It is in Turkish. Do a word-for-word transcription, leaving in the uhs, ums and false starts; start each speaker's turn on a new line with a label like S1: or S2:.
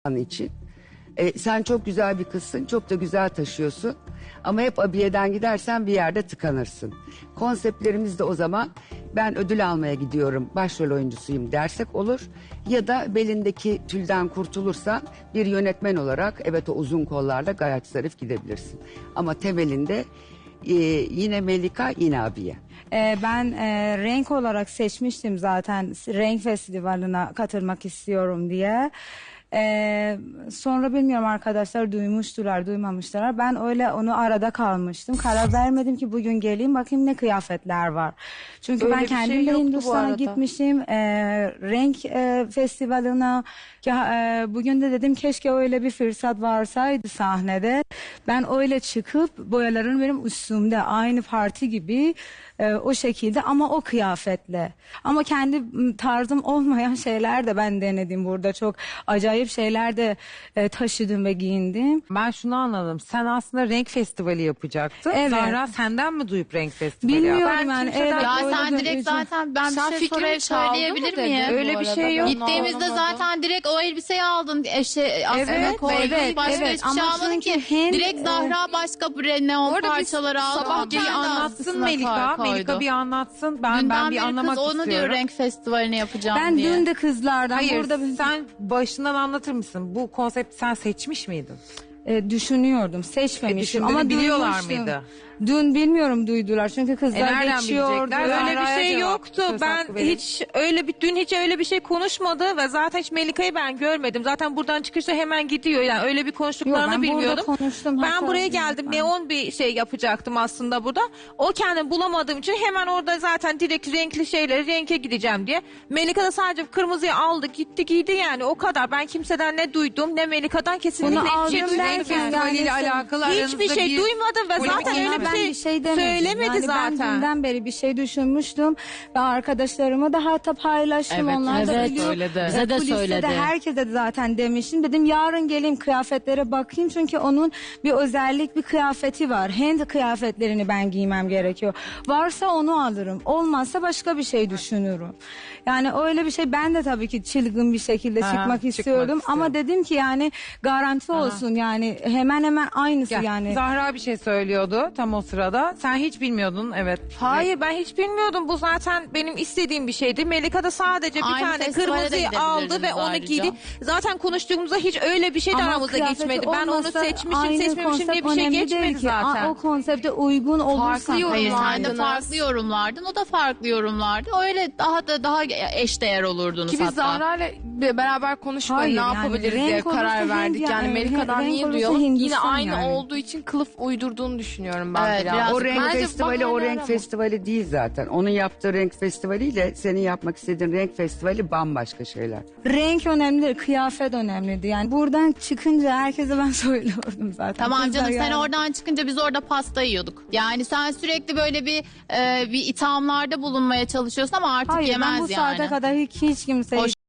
S1: an için. E, sen çok güzel bir kızsın, çok da güzel taşıyorsun. Ama hep abiyeden gidersen bir yerde tıkanırsın. Konseptlerimiz de o zaman ben ödül almaya gidiyorum, başrol oyuncusuyum dersek olur. Ya da belindeki tülden kurtulursan bir yönetmen olarak evet o uzun kollarla gayet zarif gidebilirsin. Ama temelinde e, yine Melika, yine abiye.
S2: Ee, ben e, renk olarak seçmiştim zaten renk festivaline katılmak istiyorum diye. Ee, sonra bilmiyorum arkadaşlar duymuştular duymamışlar. Ben öyle onu arada kalmıştım. Karar vermedim ki bugün geleyim bakayım ne kıyafetler var. Çünkü
S3: Öyle
S2: ben
S3: bir şey
S2: kendim de
S3: yoktu bu
S2: Hindistan'a
S3: arada.
S2: gitmişim. Ee, renk e, festivaline. Ya, e, bugün de dedim keşke öyle bir fırsat varsaydı sahnede. Ben öyle çıkıp boyaların benim üstümde aynı parti gibi e, o şekilde ama o kıyafetle. Ama kendi m, tarzım olmayan şeyler de ben denedim burada. Çok acayip şeyler de e, taşıdım ve giyindim.
S3: Ben şunu anladım. Sen aslında renk festivali yapacaktın.
S2: Evet.
S3: Zahra senden mi duyup renk festivali
S2: Bilmiyorum
S3: yaptı?
S2: yani.
S3: kimseden-
S2: Evet,
S4: Ya
S2: öyle
S4: sen
S2: de
S4: direkt
S2: üzüm-
S4: zaten ben
S5: Sen
S4: bir şey
S5: fikrimi
S4: soruya
S5: çaldı mı
S4: söyleyebilir
S5: dedi?
S4: miyim?
S3: Öyle bir şey yok.
S4: Gittiğimizde zaten direkt o elbiseyi aldın. Eşe, aslında
S3: Evet,
S4: koydun.
S2: evet,
S4: Başka
S2: evet.
S4: hiçbir şey
S2: Ama
S4: almadın
S2: çünkü
S4: ki.
S2: hem,
S4: direkt
S2: e,
S4: Zahra başka bir neon
S5: arada biz
S4: parçaları aldı.
S5: sabah
S4: o
S3: Bir
S4: kendi
S3: anlatsın
S4: askısına
S3: Melika.
S4: koydu.
S3: Melika bir anlatsın. Ben
S4: Dünden
S3: ben bir
S4: beri
S3: anlamak
S4: kız onu
S3: istiyorum.
S4: diyor renk festivalini yapacağım
S2: Ben
S4: diye.
S2: dün de kızlardan
S3: Hayır
S2: burada bir-
S3: sen başından anlatır mısın? Bu konsepti sen seçmiş miydin?
S2: e, düşünüyordum. Seçmemiştim
S3: E,
S2: ama
S3: düşündüğünü biliyorlar
S2: duymuştum.
S3: mıydı?
S2: Dün bilmiyorum duydular çünkü kızlar
S3: E, nereden
S2: geçiyordu.
S3: bilecekler?
S6: Öyle
S3: Zahra'ya
S6: bir şey
S3: cevap,
S6: yoktu.
S3: söz
S6: Ben
S3: hakkı verin.
S6: hiç öyle bir dün hiç öyle bir şey konuşmadı ve zaten hiç Melika'yı ben görmedim. Zaten buradan çıkışta hemen gidiyor. Yani öyle bir
S2: Yok,
S6: konuştuklarını
S2: ben burada
S6: bilmiyordum.
S2: konuştum.
S6: Ben
S2: Hatta-
S6: buraya geldim. Neon bir şey yapacaktım aslında burada. O kendini bulamadığım için hemen orada zaten direkt renkli şeyleri renke gideceğim diye. Melika da sadece kırmızıyı aldı, gitti giydi yani o kadar. Ben kimseden ne duydum ne Melika'dan kesinlikle
S2: Bunu
S6: hiçbir şey
S2: aldım
S6: duymadım.
S2: derken
S3: Renk festivaliyle
S2: yani sen-
S3: alakalı
S6: Hiçbir
S3: aranızda
S6: şey
S3: bir
S6: duymadım ve
S3: polemik
S6: zaten
S3: yok.
S6: öyle bir
S2: ben
S6: şey,
S2: bir şey demedim.
S6: söylemedi
S2: Yani
S6: zaten.
S2: Ben dünden beri bir şey düşünmüştüm ve arkadaşlarıma da hatta paylaştım.
S4: Evet,
S2: Onlar da
S4: evet,
S2: biliyor.
S4: söyledi.
S2: Bize de söyledi. Herkese de zaten demiştim. Dedim yarın geleyim kıyafetlere bakayım çünkü onun bir özellik bir kıyafeti var. Hand kıyafetlerini ben giymem gerekiyor. Varsa onu alırım. Olmazsa başka bir şey düşünürüm. Yani öyle bir şey ben de tabii ki çılgın bir şekilde
S3: Aha,
S2: çıkmak
S3: çıkmak
S2: istiyordum.
S3: istiyorum.
S2: Ama dedim ki yani garanti olsun yani hemen hemen aynısı
S3: Gel.
S2: yani.
S3: Zahra bir şey söylüyordu tam o sırada. Sen hiç bilmiyordun evet.
S6: Hayır ben hiç bilmiyordum. Bu zaten benim istediğim bir şeydi. Melika da sadece bir
S4: Aynı
S6: tane
S4: festivale de
S6: kırmızıyı aldı ve
S4: gidebilirdiniz
S6: onu
S4: ayrıca.
S6: giydi. Zaten konuştuğumuzda hiç öyle bir şey de
S2: Ama
S6: aramızda
S2: kıyafeti
S6: geçmedi. Ben onu
S2: olmasa
S6: seçmişim
S2: aynı
S6: seçmemişim diye
S2: konsept
S6: bir şey
S2: önemli
S6: geçmedi
S2: değil ki.
S6: zaten.
S2: Aa, o konsepte uygun olursan.
S5: Farklı
S4: Hayır sen de
S5: yorumlardınız.
S4: farklı yorumlardın. O da farklı yorumlardı. Öyle daha da daha eşdeğer olurdunuz
S5: Ki biz
S4: hatta.
S5: Zahra'yla be- beraber konuşup
S2: Hayır,
S5: ne
S2: yani
S5: yapabiliriz
S2: renk
S5: diye karar
S2: olursa
S5: verdik.
S2: Hint
S5: Yani
S2: yani,
S5: Melika'dan
S2: renk
S5: niye
S2: olursa
S5: duyalım? Yine
S2: Hindistan
S5: aynı
S2: yani.
S5: olduğu için kılıf uydurduğunu düşünüyorum ben
S4: Evet,
S5: biraz.
S4: biraz-
S1: O renk
S5: Bence
S1: festivali o
S5: bahane
S1: renk
S5: arama.
S1: festivali değil zaten. Onun yaptığı renk festivaliyle senin yapmak istediğin renk festivali bambaşka şeyler.
S2: Renk önemli, kıyafet önemliydi. Yani buradan çıkınca herkese ben söylüyordum zaten.
S4: Tamam
S2: Kızlar
S4: canım sen
S2: yani.
S4: oradan çıkınca biz orada pasta yiyorduk. Yani sen sürekli böyle bir e, bir ithamlarda bulunmaya çalışıyorsun ama artık
S2: Hayır
S4: yemez
S2: ben bu
S4: yani.
S2: saate kadar hiç, hiç kimseyi
S4: Hoş